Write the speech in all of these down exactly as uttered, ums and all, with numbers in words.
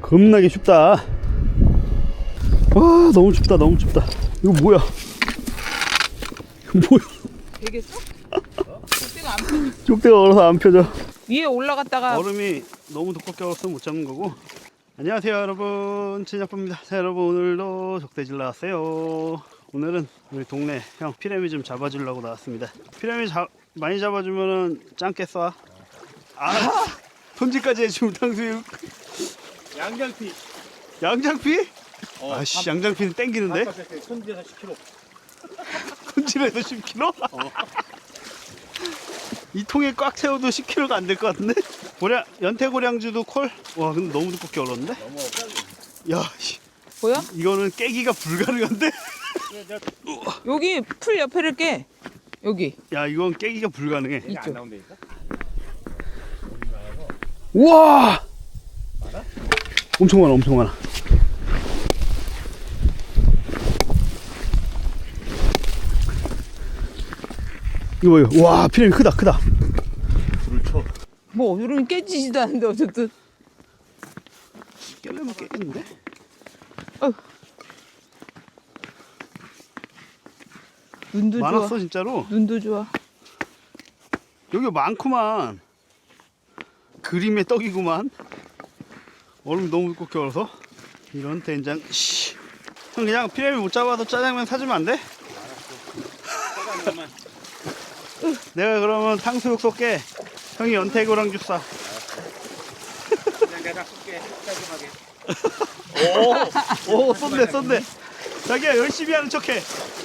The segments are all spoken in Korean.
겁나게 춥다. 와, 너무 춥다, 너무 춥다. 이거 뭐야? 이거 뭐야? 되겠어? 족대가 안 펴져. 족대가 얼어서 안 펴져. 위에 올라갔다가 얼음이 너무 두껍게 얼어서 못 잡는 거고. 안녕하세요 여러분, 진아빠입니다. 자, 여러분 오늘도 족대질 나왔어요. 오늘은 우리 동네 형 피라미 좀 잡아주려고 나왔습니다. 피라미 자, 많이 잡아주면은 짱깨 쏴. 아, 손질까지 해주면 탕수육. 양장피. 양장피? 어, 아씨, 양장피는 땡기는데? 손질해서 십 킬로그램. 손질해서 십 킬로그램? 어. 이 통에 꽉 채워도 십 킬로그램가 안 될 것 같은데? 고량, 연태고량주도 콜? 와, 근데 너무 두껍게 얼었는데? 너무 빨리. 야, 씨. 보여? 이거는 깨기가 불가능한데? 여기 풀 옆에를 깨. 여기. 야, 이건 깨기가 불가능해. 안 이쪽. 나온다니까? 우와! 엄청 많아, 엄청 많아. 이거 뭐예요? 와, 피라미 크다, 크다. 불을 쳐. 뭐 얼음이 깨지지도 않는데 어쨌든. 깨려면 깨겠는데? 어. 눈도 많았어, 좋아. 진짜로. 눈도 좋아. 여기 많구만. 그림의 떡이구만. 얼음 너무 두껍게 얼어서. 이런 된장. 씨. 형, 그냥 피라미 못 잡아도 짜장면 사주면 안 돼? 짜장면만. 내가 그러면 탕수육 쏠게. 형이 연태고랑 주 싸. 그냥 내가 쏠게. 깔끔하게. 오, 오, 쏜대, 쏜대. 자기야, 열심히 하는 척해.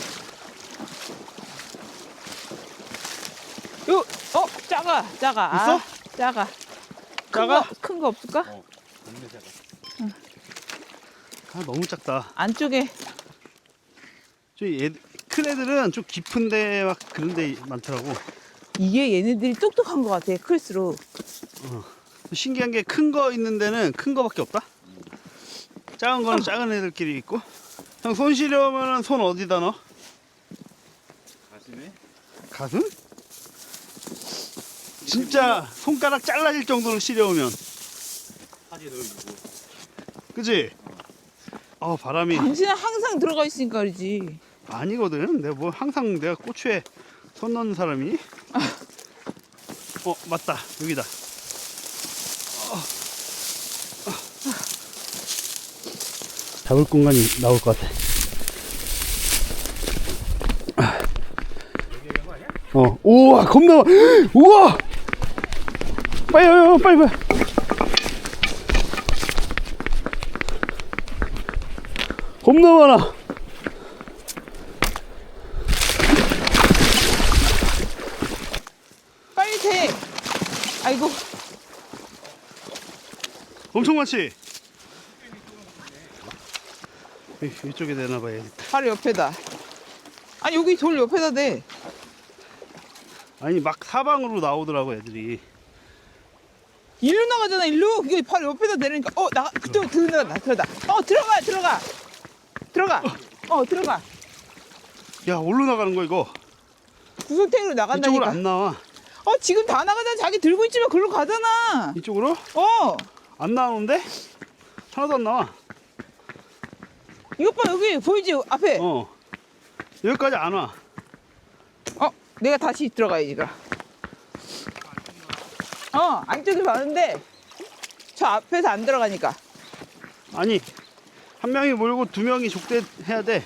요, 어, 작아, 작아. 있어? 아, 작아. 작아? 큰 거 없을까? 어. 없는 새가. 아, 너무 작다. 안쪽에. 저 얘, 큰 애들은 좀 깊은데 막 그런 데 많더라고. 이게 얘네들이 똑똑한 것 같아. 클수록. 신기한 게 큰 거 있는 데는 큰 거밖에 없다. 작은 거는 작은 애들끼리 있고. 형, 손 시려면은 손 어디다 넣어? 가슴에? 가슴? 진짜 손가락 잘라질 정도로 시려우면. 사지 넣어주고. 그치? 어, 바람이 당신은 항상 들어가 있으니까 그러지. 아니거든. 내가 뭐 항상 내가 고추에 손 넣는 사람이. 어, 맞다. 여기다. 어. 어. 잡을 공간이 나올 것 같아. 어, 우와, 겁나 많아. 우와! 빨리, 빨리, 빨리, 빨리. 겁나 많아. 빨리 돼. 아이고. 엄청 많지? 이- 이쪽에 내놔봐야겠다. 바로 옆에다. 아니, 여기 돌 옆에다 대. 아니, 막 사방으로 나오더라고, 애들이. 일로 나가잖아, 일로. 이게 바로 옆에다 대니까. 어, 나가. 그쪽 들어가, 들어가. 어, 들어가, 들어가. 들어가. 어, 들어가. 야, 어디로 나가는 거야, 이거? 구석탱이로 이쪽으로 나간다니까. 안 나와. 어, 지금 다 나가잖아. 자기 들고 있지만 글로 가잖아. 이쪽으로? 어. 안 나오는데? 하나도 안 나와. 이것 봐, 여기 보이지? 앞에. 어, 어. 여기까지 안 와. 내가 다시 들어가야지, 그럼. 어, 안쪽에 많은데 저 앞에서 안 들어가니까. 아니, 한 명이 몰고 두 명이 족대 해야 돼.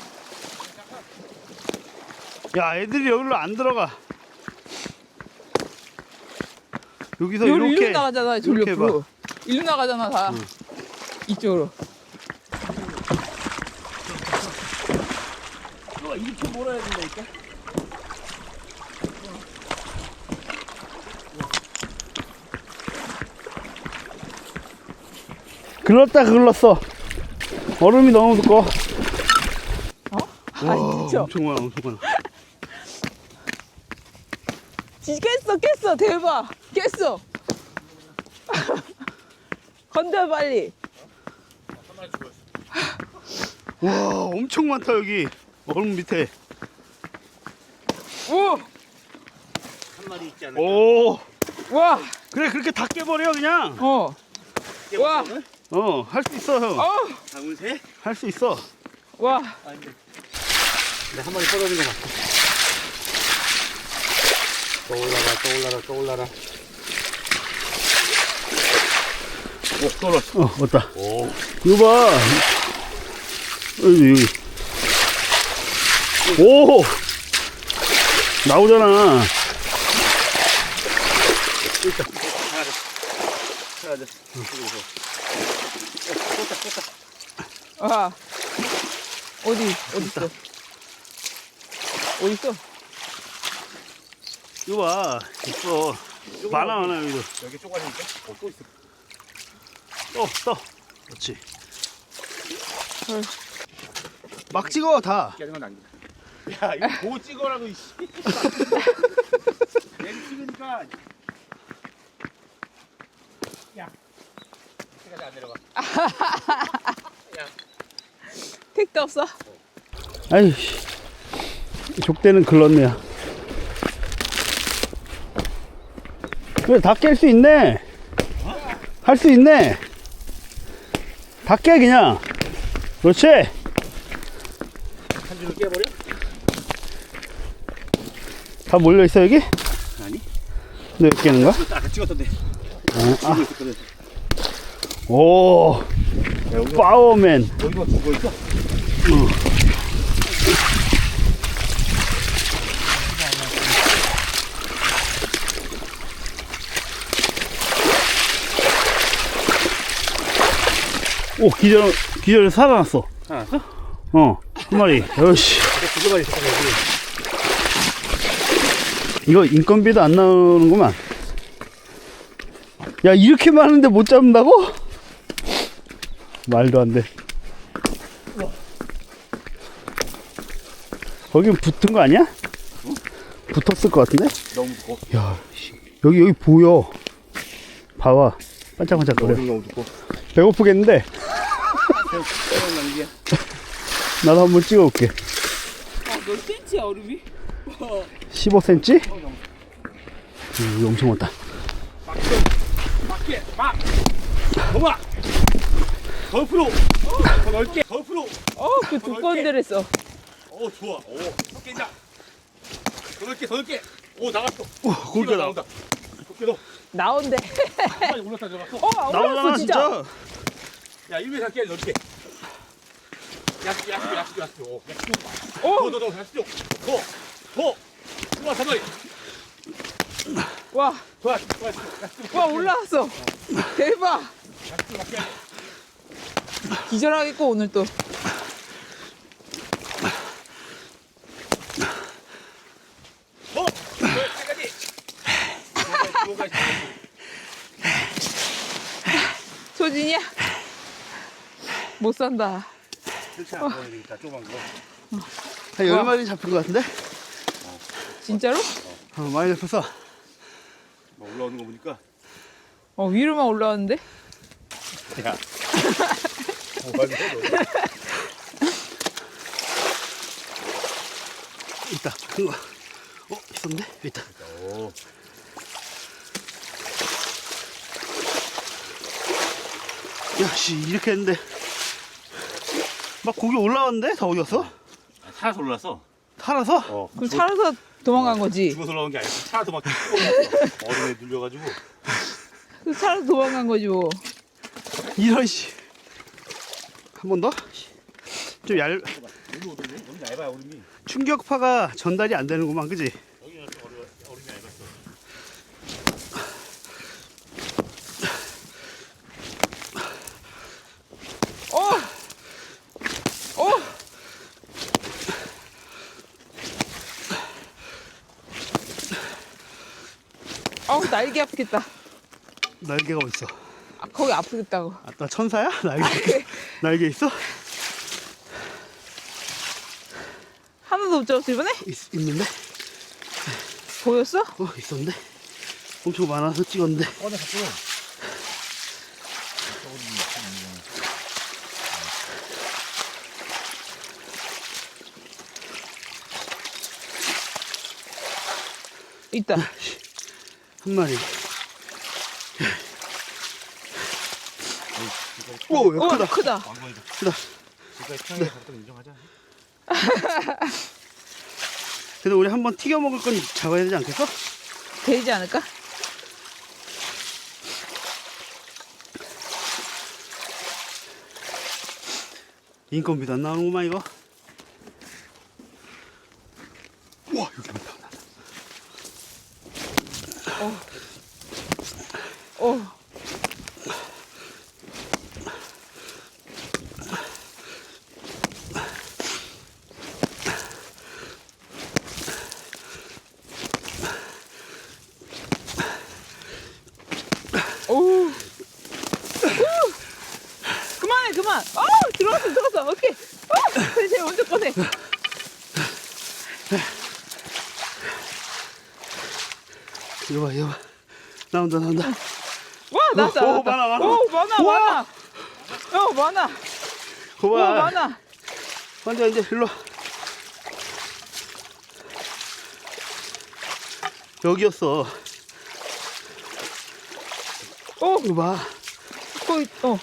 야, 애들이 여기로 안 들어가. 여기서 여기로 이렇게 일로 나가잖아, 저 이렇게 옆으로. 일로 나가잖아, 다. 응. 이쪽으로. 봐. 이렇게 몰아야 된다니까. 글렀다 글렀어. 얼음이 너무 두꺼워. 어? 와, 아, 진짜. 엄청 많아, 엄청 많아. 진짜 깼어, 깼어. 대박. 깼어. 건져, 빨리. 와, 엄청 많다 여기. 얼음 밑에. 오! 한 마리 있지 않을까? 오. 와! 그래, 그렇게 다 깨버려 그냥. 어. 와! 어, 할 수 있어, 형. 어, 장훈새? 할 수 있어. 와, 아, 근데. 내가 한 마리 떨어진 것 같아. 또 올라라, 또 올라라, 또 올라라. 오, 떨어졌어. 어, 왔다. 오. 이거 봐. 여기, 여기. 오! 나오잖아. 있다. 하나 더. 하나 더. 쏟다, 쏟다. 와. 어디, 어디 있어? 어디 있어? 이거 봐. 있어. 많아, 많아, 여기도. 여기 쪼가리니까? 어, 또 있어. 또, 또. 그렇지. 헐. 막 찍어, 다. 깨는 건 남기다. 야, 이거 뭐 찍어라고, 이씨. 얘를 찍으니까. 야. 이때까지 안 내려가. 야. 택도 없어? 아이씨. 족대는 글렀네요. 그래, 다 깰 수 있네. 할 수 있네. 다 깨, 그냥. 그렇지. 한 줄을 깨버려? 다 몰려있어, 여기? 아니. 너 여기 깨는 거야? 아까 찍었던데. 아, 찍고 있었거든. 오, 야, 여기가, 파워맨. 여기가 죽어 있어? 오, 기절, 기절 살아났어. 살아났어? 어, 한 마리. 여시. 두 마리 있었거든, 여기. 이거 인건비도 안 나오는구만. 야, 이렇게 많은데 못 잡는다고? 말도 안 돼. 거긴 붙은 거 아니야? 붙었을 것 같은데? 너무 무거워. 야, 씨, 여기, 여기 보여. 봐봐. 반짝반짝거려. 너무 두꺼워. 배고프겠는데? 새로운 남기야. 나도 한번 찍어볼게. 아, 몇 센치야, 얼음이? 십오 센티미터? 음, 엄청 많다. 맞게, 막! 더 막! 더 풀어! 더 넓게! 더 풀어! 어, 그 두꺼운 데를 했어. 오, 좋아. 오, 더 깬다. 더 넓게, 더 넓게! 오, 나갔어. 오, 거기가 나, 나온다. 도끼도 나온대. 한 마리 올랐다 들어갔어. 어, 나오잖아, 올라왔어, 진짜. 진짜. 야, 일 미터 깨, 넓게. 야식, 야식, 야식, 야식. 오, 야식. 어, 더, 더, 더, 야식. 더, 더. 우와, 한 마리. 와, 좋아, 좋아, 야식. 와, 올라왔어. 대박. 야식 맞게 해. 기절하겠고, 오늘 또. 더! 여기까지. 여기까지. 소진이야? 못 산다. 그렇지 않아 보여야 되겠다, 조그만 거. 한 열 마리 잡힌 것 같은데? 진짜로? 어, 많이 잡혔어. 뭐 올라오는 거 보니까. 어, 위로만 올라왔는데? 야. 뭐 하는 거야, 너? 있다. 큰 거. 어, 있었는데? 여기 있다. 오. 야, 씨, 이렇게 했는데. 막 고기 올라왔는데? 다 어디 갔어? 차에서 올랐어. 살아서? 어. 그럼 살아서 도망간 거지? 죽어서 올라온 게 아니고 차도 막 올랐어. 얼음에 눌려가지고. 그 살아서 도망간 거지 뭐. 이런, 씨. 한 번 더? 좀 얇, 너무 오던데? 너무 얇아요, 얼음이. 충격파가 전달이 안 되는구만, 그지? 여기는 좀 얼음, 얼음이 얇았어. 어! 어! 어우, 날개 아프겠다. 날개가 어딨어? 아, 거기 아프겠다고. 아, 나 천사야? 날개, 날개 있어? 하나도 못 잡았어, 이번에? 있, 있는데? 보였어? 어, 있었는데? 엄청 많아서 찍었는데. 꺼내 갖고. 있다. 한 마리. 오, 이거 오, 크다. 크다. 왕건이다. 크다. 지금까지 태양의 가격도 인정하자. 그래도 우리 한번 튀겨 먹을 건 잡아야 되지 않겠어? 되지 않을까? 인건비도 안 나오는구만 이거. 우와, 여기 많다. 오. 오. 오. 그만해, 그만. 어, 들어갔어, 들어갔어. 오케이. 어, 그래, 제일 먼저 꺼내. 이거 봐, 이거 봐. 나온다, 나온다. 와, 나왔다. 오, 나왔다. 많아, 많아. 오, 많아, 우와. 많아. 어, 많아. 오, 고봐. 많아. 완전 이제 일로 와. 여기였어. 오, 이거 봐. 거기, 어.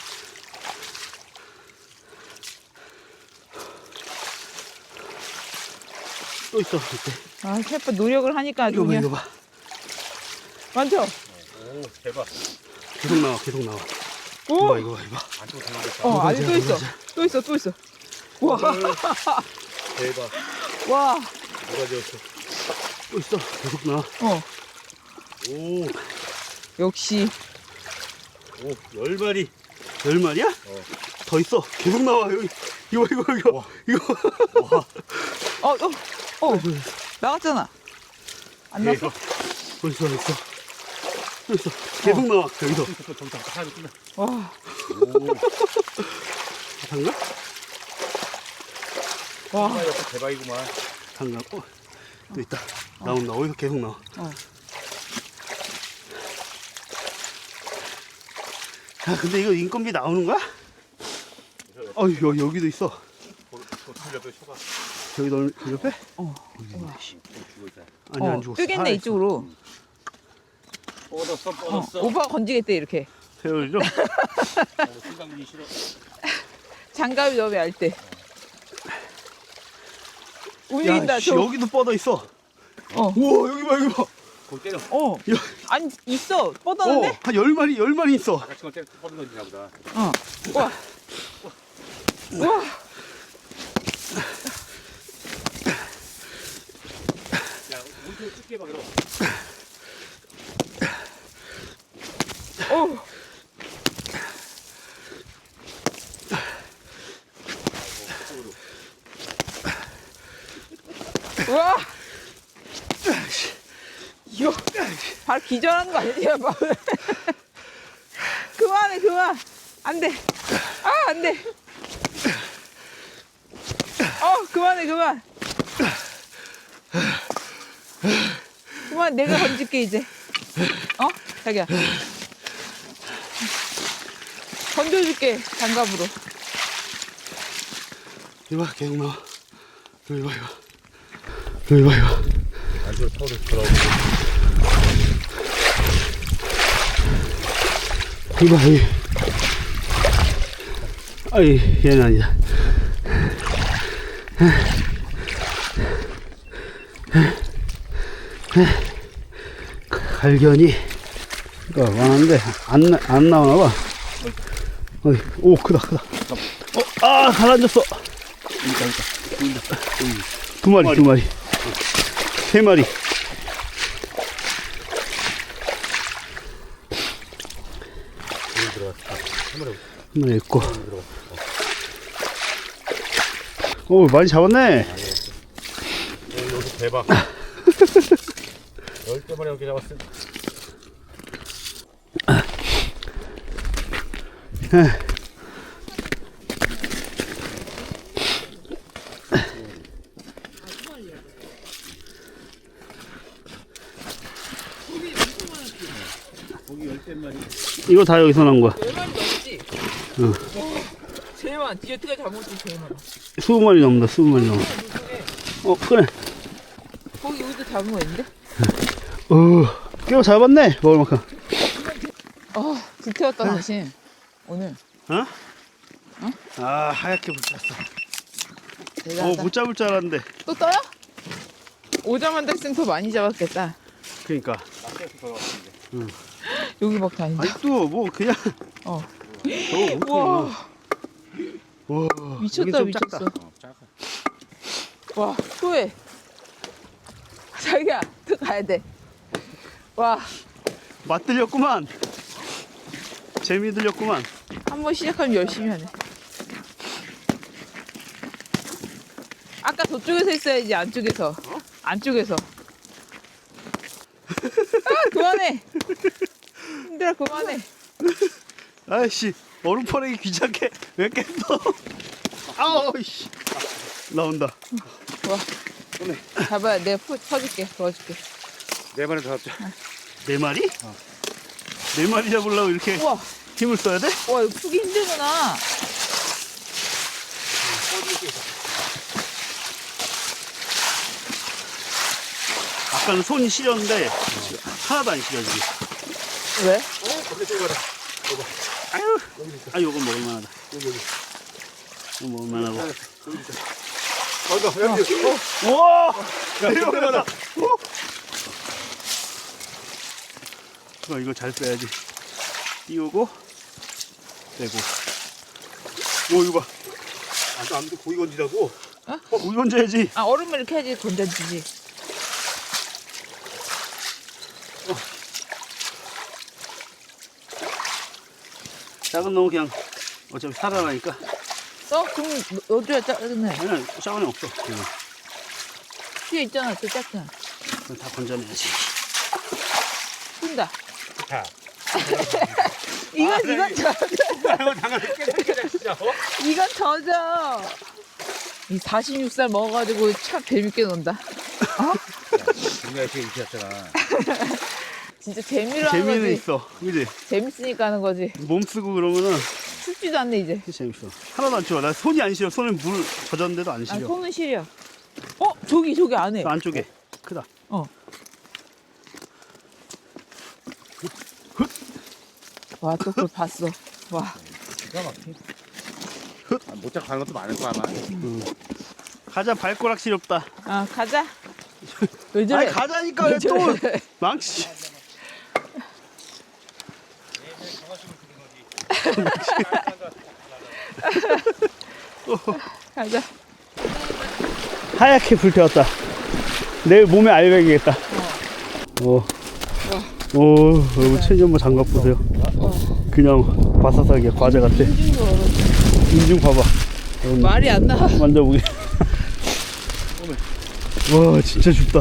또 있어, 이때. 아, 셰프 노력을 하니까 아주 이거 봐, 그냥. 이거 봐. 많죠? 오, 대박. 계속 나와, 계속 나와. 이거 오, 봐, 이거 봐, 이거 봐. 안쪽으로 들어가겠다. 어, 아직 맞아, 또 있어. 맞아. 또 있어, 또 있어. 와, 대박. 와, 뭐가지였어. 또 있어, 계속 나와. 어, 오, 역시. 오, 열 마리. 열 마리야? 어. 더 있어. 계속 나와, 여기. 이거, 이거, 이거. 와. 이거. 와, 어, 어, 어, 나갔잖아. 안 났어? 대박. 또 있어, 있어. 또 있어. 계속 나와, 여기서. 저기 저기 저기 하나 끝나. 와, 오, 장갑? 와, 정말 역시 대박이구만. 장갑. 어, 또 있다. 나온다. 어디서 계속 나와. 어. 야, 근데 이거 인건비 나오는 거야? 어, 여기, 여기도 있어. 또 틀려도 쇼가 여기 너 옆에? 어, 죽어 있다. 아니, 어, 안 죽었어. 뜨겠네, 살아있어. 이쪽으로. 뻗었어, 어, 뻗었어. 오빠가 건지겠대, 이렇게. 세월이죠? 어, 생각이 싫어. 장갑이 너무 얇대. 움직인다, 야, 씨, 저. 여기도 뻗어 있어. 어, 우와, 여기 봐, 여기 봐. 거기 때려. 어. 야, 아니, 있어. 어, 뻗었는데? 한 열 마리, 열 마리 있어. 아까 친구 때려 뻗은 건지나 보다. 어. 와. 와. 야, 우리 좀 찍게 봐, 그럼. 오. 와. 이거 발 기절하는 거 아니야, 발. 그만해, 그만. 안 돼. 아, 안 돼. 어, 그만해, 그만. 그만, 내가 건질게, 이제. 어? 자기야. 건져줄게, 장갑으로. 이거 봐, 계속 나와. 여기 봐, 이거. 여기 봐, 이거. 안쪽으로 타오를 돌아오고. 이거 봐, 여기. 아이, 얘는 아니다. 갈견이 많은데 안, 나- 안 나오나 봐. 어이, 오, 크다, 크다. 어, 아, 가라앉았어. 두 마리, 두 마리. 세 마리. 여기 들어갔다. 한 마리 한 마리 있고. 들어갔어. 오, 많이 잡았네. 오, 여기 대박. 열대 마리 넘게 잡았어. 고기 열대 마리. 이거 다 여기서 나온 거야. 열 마리 넘지? 응. 제일 많아. 디저트가 잡아먹지 제일 많아. 이십 마리 넘는다, 이십 마리 넘어. 어, 그래. 거기 여기도 잡은 거 있는데? 어, 꽤 잡았네, 먹을 만큼. 아, 불태웠다, 당신. 오늘. 어? 어? 아 하얗게 붙였어. 대단하다. 어못 잡을 줄 알았는데. 또 떠요? 오자마자 했으면 더 많이 잡았겠다. 그러니까. 낚시에서 걸어왔는데. 응. 여기 막 다니죠? 아직도 뭐 그냥. 어. 저거 와, 와 미쳤다, 미쳤어. 어, 작아. 와, 후회. 자기야, 또 가야 돼. 와, 맛들렸구만. 재미 들렸구만. 한 번 시작하면 열심히 하네. 아까 저쪽에서 했어야지, 안쪽에서. 안쪽에서. 아, 그만해. 힘들어, 그만해. 아이씨 얼음 퍼내기 귀찮게 왜 깼어? 아우씨 나온다. 와, 잡아야 내가 푸, 퍼줄게, 도와줄게. 네 마리 더 잡자. 네 마리? 네 마리 잡으려고 이렇게 우와, 힘을 써야 돼? 와, 이거 푸기 힘들구나. 아까는 손이 시렸는데 하나도 안 시려지게. 왜? 어, 거기 또 가라. 아유, 아 요건 먹을만하다. 여기 여기. 이거 먹을만하고. 여기 있어. 맞아. 여기. 어. 우와! 야, 내려가다. 내려가다. 이거 이거 잘 빼야지. 띄우고 빼고. 오 이거 봐. 아, 아무도 고기 건지라고. 어, 우리 건져야지. 아, 얼음을 이렇게 해야지 건져지지. 작은 놈은 그냥 어차피 살아나니까. 써? 그럼 넣어줘야 짜증나. 아니야 작은 애 없어. 그냥. 뒤에 있잖아, 저 짜증나. 그럼 다 건져내야지. 푼다. 자. 이건, 아, 이건 네. 젖어. 이거 당연히 깨끗하게 진짜. 어? 이건 젖어. 이 사십육 살 먹어가지고 참 재밌게 논다. 우리가 이렇게 이렇게 했잖아. 진짜 재미로 하는 재미는 거지. 있어. 그지? 재밌으니까 하는 거지. 몸 쓰고 그러면은 춥지도 않네, 이제. 재밌어. 하나도 안 추워. 나 손이 안 시려. 손에 물 젖었는데도 안 아, 시려. 손은 시려. 어? 저기, 저기 안에. 그 안쪽에 크다. 어. 와, 또 그걸 봤어. 와. 기가 막혀. 아, 못 잡고 가는 것도 많을 거야 아마. 가자 발꼬락 시렵다. 아, 가자. 왜 저래? 아니 가자니까 왜 또 망치. 가자. 하얗게 불태웠다. 내일 몸에 알배기겠다. 어. 오, 여러분 체니엄마 장갑 보세요. 그냥 바사삭이야. 과자 같아. 인중도 얼어. 인중 봐봐. 여러분, 말이 안 나와. 만져보게. 와 진짜 춥다.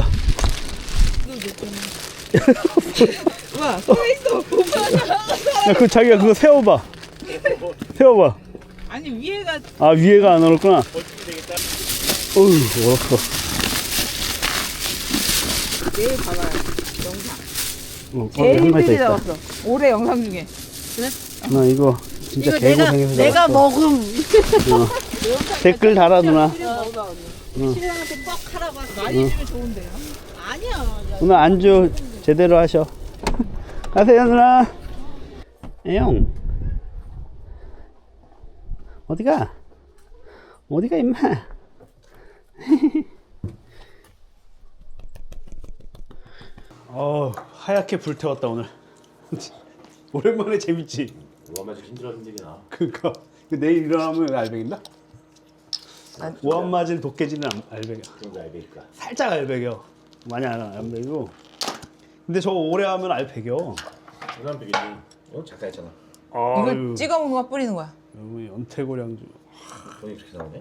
와, 서 있어. 오빠. 야, 그 자기가 그거 세워봐. 세워봐. 아니, 위에가 아 위에가 안 얼었구나. 어휴 얼었어. 내일 봐봐요. 영상. 어, 제일 한 마리 더 힘들게 있다. 잡았어. 올해 영상 중에. 나 이거 진짜 이거 내가 개고생해서 내가 잡았어. 먹음. 어. 댓글 달아 누나. 신랑한테 뻑 하라고 하서 많이 주면 좋은데요. 아니야. 누나 안주 제대로 하셔. 가세요 누나. 애용. 어디가? 어디가 임마? 어 하얗게 불태웠다 오늘. 오랜만에 재밌지. 뭐가 맞아 힘들어 힘들게나. 그니까 내일 일어나면 알배기인다? 우한 맞은 도깨지는 안- 알배기야. 그런 거 알베니까. 살짝 알배겨. 많이 안 알배기고. 근데 저거 오래 하면 알배겨. 그다음 비기지. 이거 작가 했잖아. 이걸 찍어 먹는 거 뿌리는 거야. 여기 연태고량주. 돈이 그렇게 나오네.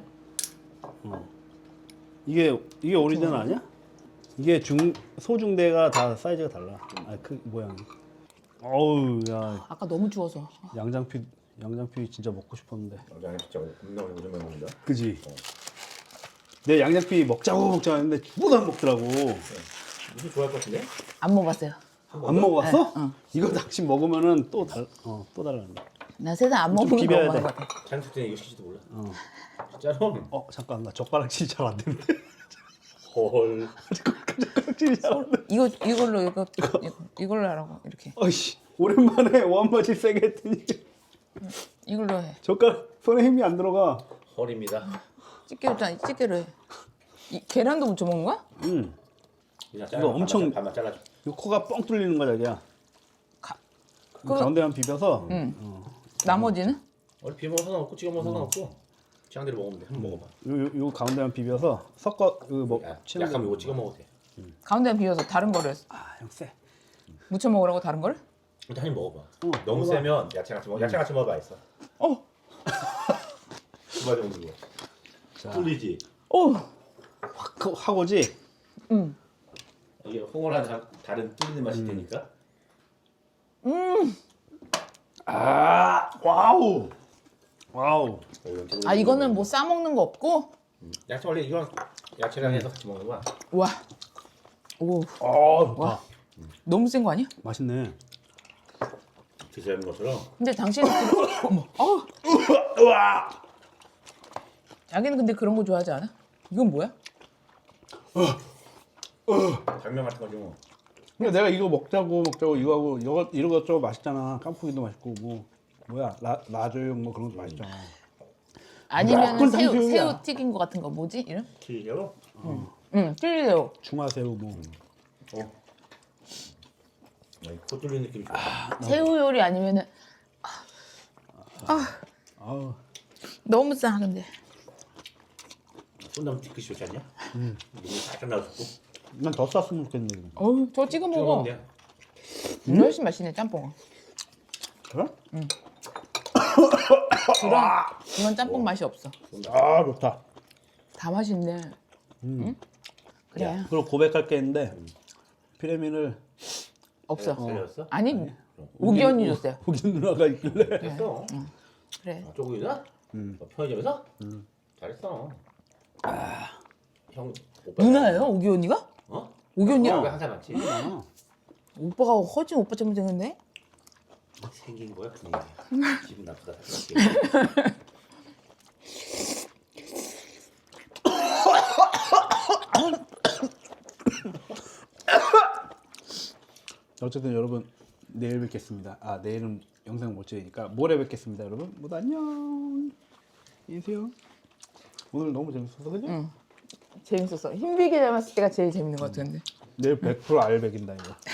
이게 이게 오리지널 아니야? 이게 중 소중대가 다 사이즈가 달라. 아 그 모양이. 어우 야 아까 너무 추워서. 양장피 양장피 진짜 먹고 싶었는데. 양장이 진짜 겁나 오랜만에 먹는다. 그지? 내 양장피 먹자고 먹자고 했는데 죽어도 안 먹더라고. 무슨 좋아할 것 같은데? 안 먹었어요. 안 먹어봤어? 네, 응. 이거 낚시 먹으면은 또 달, 어, 또 달라는데. 나 세상 안 좀 먹는 거 비벼야 먹는 돼. 거 같아. 장수 때는 이거 시키지도 몰라. 어. 진짜로? 어 잠깐 나 젓가락질 잘 안 되는데. 헐. 젓가락질 잘 안 돼. 이거 이걸로 이거 이거, 이걸로 하라고 이렇게. 어이씨 오랜만에 원바지 세게 했더니 이걸로 해. 젓가락 손에 힘이 안 들어가. 허리입니다. 집게로 짠, 집게로 해. 이, 계란도 무쳐 먹는 거야? 음. 그냥 이거 엄청- 반만 잘라줘. 이 코가 뻥 뚫리는 거야, 자기야. 가- 그 그- 가운데만 비벼서. 응. 어. 나머지는? 원래 비벼 먹어서 상관없고 찍어 먹어서 상관없고 취향대로 먹으면 돼. 한번 먹어봐. 요, 요, 요 가운데만 비벼서 섞어 그 뭐. 야, 치는 약하면 거. 이거 찍어 먹어도 돼. 가운데 비워서 다른 거를 아, 형 쎄. 무쳐 먹으라고 다른 거를? 일단 한입 먹어봐. 어, 너무 먹어봐. 세면 야채 같이 먹어. 야채 같이 먹어봐 있어. 어, 두 마리 정도. 자, 뚫리지. 어, 확 확 오지. 음, 이게 홍어랑 다- 다른 뚫리는 맛이 되니까. 음. 아, 와우. 와우. 아 이거는 뭐 싸 먹는 거 없고? 음. 야채 원래 이건 야채랑 해서 같이 먹는 거야. 와, 오, 어, 좋다. 와, 너무 센 거 아니야? 맛있네. 드셔야 하는 것처럼. 근데 당신은 그... 어머, 어, 우와. 자기는 근데 그런 거 좋아하지 않아? 이건 뭐야? 당면 같은 거지 뭐. 근데 내가 이거 먹자고 먹자고 이거 하고 이거 이런 것 저거 맛있잖아. 깐풍기도 맛있고 뭐 뭐야 라 라조용 뭐 그런 것도 맛있잖아. 아니면 그건 새우 당신이야. 새우 튀긴 거 같은 거 뭐지? 이름? 튀겨요? 응, 찔리새우. 중화새우 뭐. 어. 아니, 코 뚫리는 느낌이 좋아. 새우 요리 아니면은 아우. 너무 싸 근데. 손담 뒤끝이 좋지 않냐? 음. 눈이 살짝 나왔고. 난 더 쌌으면 좋겠네. 이거. 어우, 저 찍어 찍어 먹어. 먹으면 돼. 음? 훨씬 맛있네 짬뽕. 그래? 그런 그런 짬뽕 맛이 없어. 아 좋다. 다 맛있네. 응? 그래. 그리고 고백할 게 있는데 피레미를 없어. 살렸어? 아니 오기 언니 줬어요. 호기 누나가 있길래. 됐어. 그래. 아, 쪼그리나? 음. 어, 편의점에서? 음. 잘했어. 형 오빠 누나예요? 오기 언니가? 어? 오기 언니가? 오빠가 항상 맞지? 아, 오빠가 허진 오빠 때문에 되는데? 생긴 거야 분위기. 기분 나쁘다. 생각해. 어쨌든 여러분 내일 뵙겠습니다. 아 내일은 영상 못 찍으니까 모레 뵙겠습니다, 여러분. 모두 안녕. 안녕히 계세요. 오늘 너무 재밌었어, 그지? 응. 재밌었어. 힘들게 잡았을 때가 제일 재밌는 것 같은데. 내일 백 퍼센트 알 백인다 이거.